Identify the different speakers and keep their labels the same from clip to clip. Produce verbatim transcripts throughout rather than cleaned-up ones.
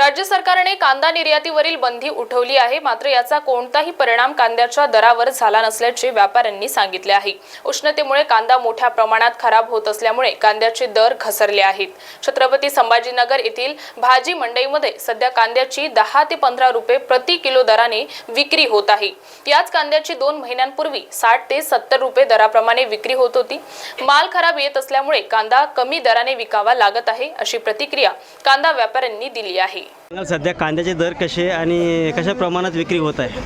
Speaker 1: राज्य सरकारने कांदा निर्यातीवरील बंदी उठवली आहे, मात्र याचा कोणताही परिणाम कांद्याच्या दरावर झाला नसल्याचे व्यापाऱ्यांनी सांगितले आहे। उष्णतेमुळे कांदा मोठ्या प्रमाणात खराब होत असल्यामुळे कांद्याचे दर घसरले आहेत। छत्रपती संभाजीनगर येथील भाजी मंडईमध्ये सध्या कांद्याची दहा ते पंधरा रुपये प्रति किलो दराने विक्री होत आहे। याच कांद्याची दोन महिन्यांपूर्वी साठ ते सत्तर रुपये दराप्रमाणे विक्री होत होती। माल खराब येत असल्यामुळे कांदा कमी दराने विकावा लागत आहे, अशी प्रतिक्रिया कांदा व्यापाऱ्यांनी दिली आहे।
Speaker 2: सध्या कांद्याचे दर कसे आणि कशा प्रमाणात विक्री होत आहे?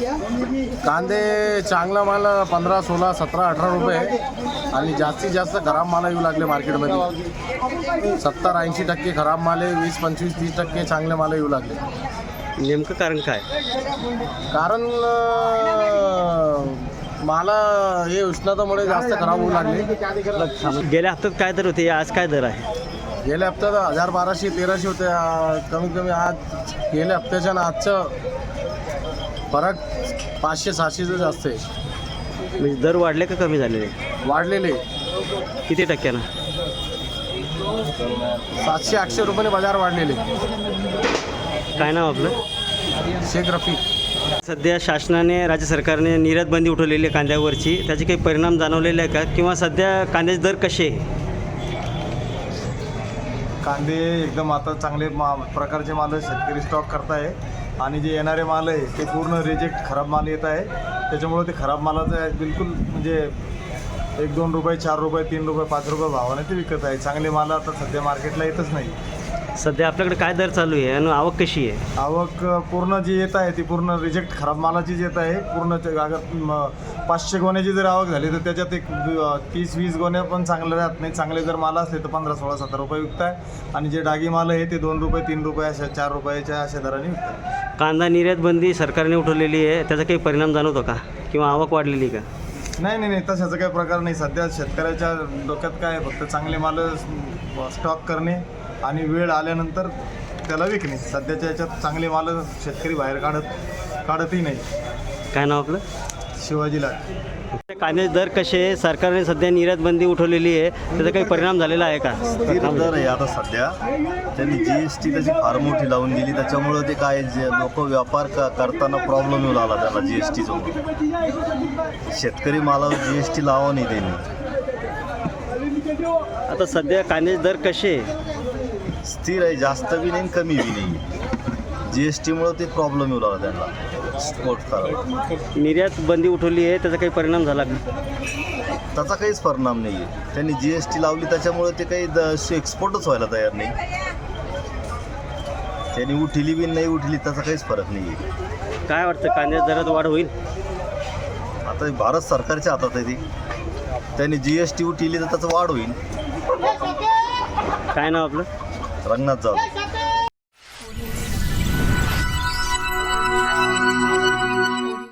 Speaker 3: कांदे चांगला माल पंधरा सोळा सतरा अठरा रुपये आणि जास्तीत जास्त खराब माल येऊ लागले मार्केटमध्ये। सत्तर ऐंशी टक्के खराब माल आहे, वीस पंचवीस तीस टक्के चांगले माल येऊ लागले।
Speaker 2: नेमकं कारण काय?
Speaker 3: कारण माल हे उष्णतेमुळे जास्त खराब होऊ लागले।
Speaker 2: गेल्या हप्त्यात काय दर होते, आज काय दर आहे?
Speaker 3: गेल्या हप्त्यात हजार बाराशे तेराशे होते, कमीत कमी आज गेल्या हप्त्याच्या ना आजचं फरक पाचशे सहाशेचं जास्त आहे।
Speaker 2: म्हणजे दर वाढले का कमी झालेले?
Speaker 3: वाढलेले
Speaker 2: किती टक्क्यानं?
Speaker 3: सातशे आठशे रुपयाने बाजार वाढलेले।
Speaker 2: काय नाव आपलं?
Speaker 3: शेख रफी।
Speaker 2: सध्या शासनाने राज्य सरकारने निर्यात बंदी उठवलेली आहे कांद्यावरची, त्याचे काही परिणाम जाणवलेले आहे का, किंवा सध्या कांद्याचे दर कसे आहे?
Speaker 4: कांदे एकदम आता चांगले मा प्रकारचे माल शेतकरी स्टॉक करताय आणि जे येणारे माल आहे ते पूर्ण रिजेक्ट खराब माल येत आहे। त्याच्यामुळे ते खराब मालाचं बिलकुल म्हणजे एक दोन रुपये चार रुपये तीन रुपये पाच रुपये भावाने ते विकत आहे। चांगले माल आता सध्या मार्केटला येतच नाही।
Speaker 2: सध्या आपल्याकडे काय दर चालू आहे आणि आवक कशी आहे?
Speaker 4: आवक पूर्ण जी येत आहे ती पूर्ण रिजेक्ट खराब मालाचीच येत आहे। पूर्ण अगर पाचशे गोण्याची जर आवक झाली तर त्याच्यात एक तीस वीस गोण्या पण चांगले राहत नाही। चांगले जर माल असले तर पंधरा सोळा सतरा रुपये विकत आहे आणि जे डागी माल आहे ते दोन रुपये तीन रुपये अशा चार रुपयाच्या अशा दराने विकत आहे।
Speaker 2: कांदा निर्यात बंदी सरकारने उठवलेली आहे, त्याचा काही परिणाम जाणवतो का, किंवा आवक वाढलेली का?
Speaker 4: नाही नाही नाही तशाचा काही प्रकार नाही। सध्या शेतकऱ्याच्या डोक्यात काय आहे, फक्त चांगले माल स्टॉक करणे आणि वेळ आल्यानंतर त्याला विकणे। सध्याच्या याच्यात चांगले माल शेतकरी बाहेर काढत काढतही नाही।
Speaker 2: काय नाव आपलं?
Speaker 4: शिवाजीला।
Speaker 2: कांद्याचे दर कसे आहे? सरकारने सध्या निर्यात बंदी उठवलेली आहे, त्याचा काही परिणाम झालेला आहे का?
Speaker 5: स्थिर दर आहे आता सध्या। त्यांनी जी एस टी त्याची फार मोठी लावून दिली, त्याच्यामुळं ते काय जे लोक व्यापार क करताना प्रॉब्लेम येऊ लागला त्याला जी एस टीचं। शेतकरी मालावर जी एस टी लावा नाही त्यांनी।
Speaker 2: आता सध्या कांद्याचे दर कसे आहे?
Speaker 5: स्थिर आहे, जास्त बी नाही कमी बी नाही। जी एस टीमुळं ते प्रॉब्लेम येऊ लागला त्यांना स्पोर्ट करायला।
Speaker 2: निर्यात बंदी उठवली आहे, त्याचा काही परिणाम झाला का?
Speaker 5: त्याचा काहीच परिणाम नाही आहे। त्यांनी जी एस टी लावली त्याच्यामुळे ते काही द एक्सपोर्टच व्हायला तयार नाही। त्यांनी उठली बी नाही उठली त्याचा काहीच फरक नाही आहे।
Speaker 2: काय वाटतं, कांद्याच्या दरात वाढ होईल?
Speaker 5: आता भारत सरकारच्या हातात आहे ती। त्यांनी जी एस टी उठली तर त्याचं वाढ होईल।
Speaker 2: काय नाव आपलं?
Speaker 5: रंगनाथ जाधव।